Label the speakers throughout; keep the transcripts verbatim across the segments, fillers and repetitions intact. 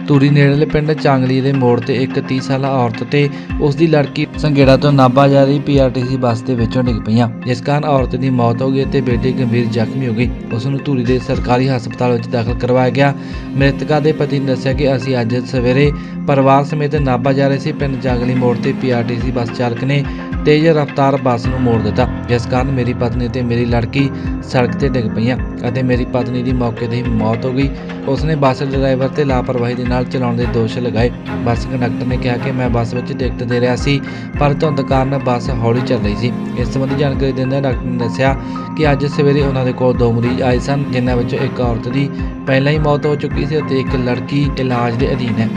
Speaker 1: ਧੂਰੀ ਨੇੜਲੇ ਪਿੰਡ ਚਾਂਗਲੀ ਦੇ ਮੋੜ ਤੇ ਇੱਕ ਤੀਹ ਸਾਲਾ ਔਰਤ ਤੇ ਉਸ ਦੀ ਲੜਕੀ ਸੰਘੇੜਾ ਤੋਂ ਨਾਭਾ ਜਾ ਰਹੀ ਪੀਆਰਟੀਸੀ ਬੱਸ ਦੇ ਵਿੱਚੋਂ ਡਿੱਗ ਪਈਆਂ, ਜਿਸ ਕਾਰਨ ਔਰਤ ਦੀ ਮੌਤ ਹੋ ਗਈ ਅਤੇ ਬੇਟੀ ਗੰਭੀਰ ਜ਼ਖਮੀ ਹੋ ਗਈ। ਉਸ ਨੂੰ ਧੂਰੀ ਦੇ ਸਰਕਾਰੀ ਹਸਪਤਾਲ ਵਿੱਚ ਦਾਖਲ ਕਰਵਾਇਆ ਗਿਆ। ਮ੍ਰਿਤਕਾ ਦੇ ਪਤੀ ਨੇ ਦੱਸਿਆ ਕਿ ਅਸੀਂ ਅੱਜ ਸਵੇਰੇ ਪਰਿਵਾਰ ਸਮੇਤ ਨਾਭਾ ਜਾ ਰਹੇ ਸੀ। ਪਿੰਡ ਚਾਂਗਲੀ ਮੋੜ ਤੇ ਪੀਆਰਟੀਸੀ ਬੱਸ ਚਾਲਕ ਨੇ ਤੇਜ਼ ਰਫ਼ਤਾਰ ਬੱਸ ਨੂੰ ਮੋੜ ਦਿੱਤਾ, ਜਿਸ ਕਾਰਨ ਮੇਰੀ ਪਤਨੀ ਤੇ ਮੇਰੀ ਲੜਕੀ ਸੜਕ ਤੇ ਡਿੱਗ ਪਈਆਂ ਅਤੇ ਮੇਰੀ ਪਤਨੀ ਦੀ ਮੌਕੇ 'ਤੇ ਹੀ ਮੌਤ ਹੋ ਗਈ। ਉਸਨੇ ਬੱਸ ਡਰਾਈਵਰ ਤੇ ਲਾਪਰਵਾਹੀ ਦੇ ਨਾਲ ਚਲਾਉਣ ਦੇ ਦੋਸ਼ ਲਗਾਏ। ਬੱਸ ਕੰਡਕਟਰ ਨੇ ਕਿਹਾ ਕਿ ਮੈਂ ਬੱਸ ਵਿੱਚ ਟਿਕਟ ਦੇ ਰਿਹਾ ਸੀ, ਪਰ ਧੁੰਦ ਕਾਰਨ ਬੱਸ ਹੌਲੀ ਚੱਲ ਰਹੀ ਸੀ। ਇਸ ਸੰਬੰਧੀ ਜਾਣਕਾਰੀ ਦਿੰਦਿਆਂ ਡਾਕਟਰ ਨੇ ਦੱਸਿਆ ਕਿ ਅੱਜ ਸਵੇਰੇ ਉਹਨਾਂ ਦੇ ਕੋਲ ਦੋ ਮਰੀਜ਼ ਆਏ ਸਨ, ਜਿਨ੍ਹਾਂ ਵਿੱਚੋਂ ਇੱਕ ਔਰਤ ਦੀ ਪਹਿਲਾਂ ਹੀ ਮੌਤ ਹੋ ਚੁੱਕੀ ਸੀ ਅਤੇ ਇੱਕ ਲੜਕੀ ਇਲਾਜ ਦੇ ਅਧੀਨ ਹੈ।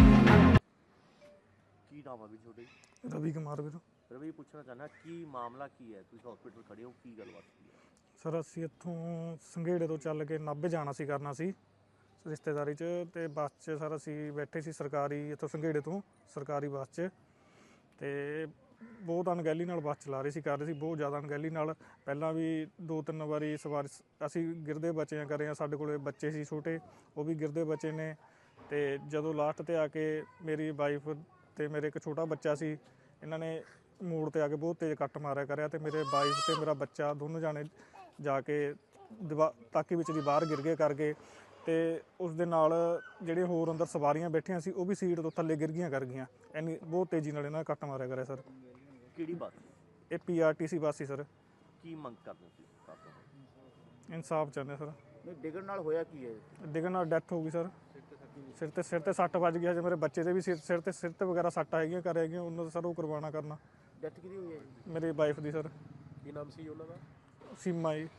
Speaker 2: ਕੀ ਨਾਮ ਆ ਵੀ ਤੁਹਾਡੇ?
Speaker 3: ਰਵੀ ਕੁਮਾਰ ਵੀਰ।
Speaker 2: ਰਵੀ, ਪੁੱਛਣਾ ਚਾਹੁੰਦਾ ਕੀ ਮਾਮਲਾ ਕੀ ਹੈ? ਤੁਸੀਂ ਹਸਪੀਟਲ ਖੜੇ ਹੋ, ਕੀ ਗੱਲਬਾਤ ਕੀ ਹੈ?
Speaker 3: ਸਰ ਅਸੀਂ ਇੱਥੋਂ ਸੰਘੇੜੇ ਤੋਂ ਚੱਲ ਕੇ ਨਾਭੇ ਜਾਣਾ ਸੀ ਕਰਨਾ ਸੀ ਰਿਸ਼ਤੇਦਾਰੀ 'ਚ, ਅਤੇ ਬੱਸ 'ਚ ਸਰ ਅਸੀਂ ਬੈਠੇ ਸੀ ਸਰਕਾਰੀ ਇੱਥੋਂ ਸੰਘੇੜੇ ਤੋਂ ਸਰਕਾਰੀ ਬੱਸ 'ਚ, ਅਤੇ ਬਹੁਤ ਅਣਗਹਿਲੀ ਨਾਲ ਬੱਸ ਚਲਾ ਰਹੇ ਸੀ ਕਰ ਰਹੇ ਸੀ ਬਹੁਤ ਜ਼ਿਆਦਾ ਅਣਗਹਿਲੀ ਨਾਲ। ਪਹਿਲਾਂ ਵੀ ਦੋ ਤਿੰਨ ਵਾਰੀ ਸਵਾਰ ਅਸੀਂ ਗਿਰਦੇ ਬਚੇ ਆ ਕਰੇ ਆ, ਸਾਡੇ ਕੋਲ ਬੱਚੇ ਸੀ ਛੋਟੇ, ਉਹ ਵੀ ਗਿਰਦੇ ਬਚੇ ਨੇ। ਅਤੇ ਜਦੋਂ ਲਾਸਟ 'ਤੇ ਆ ਕੇ ਮੇਰੀ ਵਾਈਫ ਅਤੇ ਮੇਰੇ ਇੱਕ ਛੋਟਾ ਬੱਚਾ ਸੀ, ਇਹਨਾਂ ਨੇ ਮੋੜ 'ਤੇ ਆ ਕੇ ਬਹੁਤ ਤੇਜ਼ ਕੱਟ ਮਾਰਿਆ ਕਰਿਆ, ਅਤੇ ਮੇਰੇ ਵਾਈਫ ਅਤੇ ਮੇਰਾ ਬੱਚਾ ਦੋਨੋਂ ਜਾਣੇ ਜਾ ਕੇ ਦੀਵਾ ਤਾਕੀ ਵਿੱਚ ਦੀ ਬਾਹਰ ਗਿਰ ਗਏ ਕਰ ਗਏ। ਅਤੇ ਉਸ ਦੇ ਨਾਲ ਜਿਹੜੇ ਹੋਰ ਅੰਦਰ ਸਵਾਰੀਆਂ ਬੈਠੀਆਂ ਸੀ ਉਹ ਵੀ ਸੀਟ ਤੋਂ ਥੱਲੇ ਗਿਰ ਗਈਆਂ ਕਰ ਗਈਆਂ, ਇੰਨੀ ਬਹੁਤ ਤੇਜ਼ੀ ਨਾਲ ਇਹਨਾਂ ਨੇ ਕੱਟ ਮਾਰਿਆ ਕਰਿਆ ਸਰ।
Speaker 2: ਕਿਹੜੀ ਬੱਸ?
Speaker 3: ਇਹ P R T C bus ਸੀ ਸਰ।
Speaker 2: ਕੀ ਮੰਗ ਕਰਦੇ ਸੀ?
Speaker 3: ਇਨਸਾਫ ਚਾਹੁੰਦੇ ਸਰ।
Speaker 2: ਨਹੀਂ, ਡਿੱਗਣ ਨਾਲ ਹੋਇਆ ਕੀ ਹੈ?
Speaker 3: ਡਿੱਗਣ ਨਾਲ ਡੈਥ ਹੋ ਗਈ ਸਰ। ਸਿਰ 'ਤੇ ਸਿਰ 'ਤੇ ਸੱਟ ਵੱਜ ਗਿਆ, ਜੇ ਮੇਰੇ ਬੱਚੇ ਦੇ ਵੀ ਸਿਰ ਸਿਰ 'ਤੇ ਸਿਰ 'ਤੇ ਵਗੈਰਾ ਸੱਟ ਹੈਗੀਆਂ ਕਰ ਹੈਗੀਆਂ, ਉਹਨਾਂ ਦਾ ਸਰ ਉਹ ਕਰਵਾਉਣਾ ਕਰਨਾ।
Speaker 2: ਡੈਥ ਕਿਹਦੀ ਹੋਈ ਹੈ?
Speaker 3: ਮੇਰੀ ਵਾਈਫ ਦੀ ਸਰ।
Speaker 2: ਕੀ ਨਾਮ ਸੀ ਉਹਨਾਂ ਦਾ?
Speaker 3: ਸੀਮਾ ਜੀ।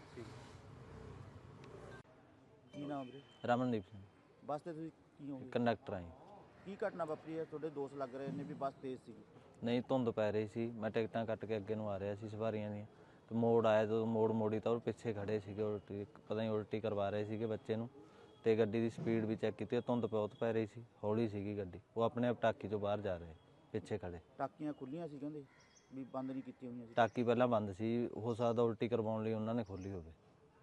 Speaker 2: ਕੀ ਨਾਮ ਵੀਰੇ?
Speaker 4: ਰਮਨਦੀਪ ਸਿੰਘ,
Speaker 2: ਬੱਸ ਤੇ ਤੁਸੀਂ ਕੀ ਹੋ?
Speaker 4: ਕੰਡਕਟਰ ਆਈ।
Speaker 2: ਕੀ ਘਟਨਾ ਵਾਪਰੀ ਹੈ? ਤੁਹਾਡੇ ਦੋਸਤ ਲੱਗ ਰਹੇ ਨੇ ਵੀ ਬੱਸ ਤੇਜ਼ ਸੀ।
Speaker 4: ਨਹੀਂ, ਧੁੰਦ ਪੈ ਰਹੀ ਸੀ, ਮੈਂ ਟਿਕਟਾਂ ਕੱਟ ਕੇ ਅੱਗੇ ਨੂੰ ਆ ਰਿਹਾ ਸੀ ਸਵਾਰੀਆਂ ਦੀਆਂ, ਤੇ ਮੋੜ ਆਇਆ ਜਦੋਂ ਮੋੜ ਮੋੜੀ ਤਾਂ ਉਹ ਪਿੱਛੇ ਖੜੇ ਸੀਗੇ, ਉਲਟੀ ਪਤਾ ਨਹੀਂ ਉਲਟੀ ਕਰਵਾ ਰਹੇ ਸੀਗੇ ਬੱਚੇ ਨੂੰ, ਤੇ ਗੱਡੀ ਦੀ ਸਪੀਡ ਵੀ ਚੈੱਕ ਕੀਤੀ, ਧੁੰਦ ਬਹੁਤ ਪੈ ਰਹੀ ਸੀ, ਹੌਲੀ ਸੀਗੀ ਗੱਡੀ, ਉਹ ਆਪਣੇ ਆਪ ਟਾਕੀ ਚੋਂ ਬਾਹਰ ਜਾ ਰਹੇ ਪਿੱਛੇ ਖੜੇ।
Speaker 2: ਟਾਕੀਆਂ ਖੁੱਲੀਆਂ ਸੀ ਕਹਿੰਦੇ ਵੀ, ਬੰਦ ਨਹੀਂ ਕੀਤੀਆਂ ਹੋਈਆਂ ਸੀ?
Speaker 4: ਟਾਕੀ ਪਹਿਲਾਂ ਬੰਦ ਸੀ, ਹੋ ਸਕਦਾ ਉਲਟੀ ਕਰਵਾਉਣ ਲਈ ਉਹਨਾਂ ਨੇ ਖੋਲ੍ਹੀ ਹੋਵੇ।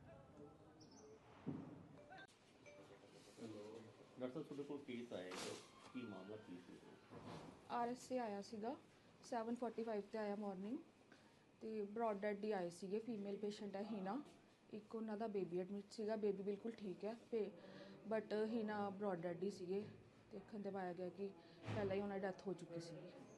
Speaker 2: ਡਾਕਟਰ, ਤੁਹਾਡੇ ਕੋਲ ਕੇਸ ਆਇਆ, ਕੀ ਮਾਮਲਾ ਕੀ ਸੀ?
Speaker 5: ਆਰ ਐਸ ਸੀ ਆਇਆ ਸੀਗਾ, ਸੈਵਨ ਫੋਰਟੀ ਫਾਈਵ 'ਤੇ ਆਇਆ ਮਾਰਨਿੰਗ, ਅਤੇ ਬਰੋਡ ਡੈਡ ਹੀ ਆਏ ਸੀਗੇ। ਫੀਮੇਲ ਪੇਸ਼ੈਂਟ ਹੈ ਹੀਨਾ, ਇੱਕ ਉਹਨਾਂ ਦਾ ਬੇਬੀ ਐਡਮਿਟ ਸੀਗਾ। ਬੇਬੀ ਬਿਲਕੁਲ ਠੀਕ ਹੈ, ਪੇ ਬਟ ਹੀਨਾ ਬਰੋਡ ਡੈਡ ਹੀ ਸੀਗੇ। ਦੇਖਣ 'ਤੇ ਪਾਇਆ ਗਿਆ ਕਿ ਪਹਿਲਾਂ ਹੀ ਉਹਨਾਂ ਦੀ ਡੈਥ ਹੋ ਚੁੱਕੀ ਸੀ।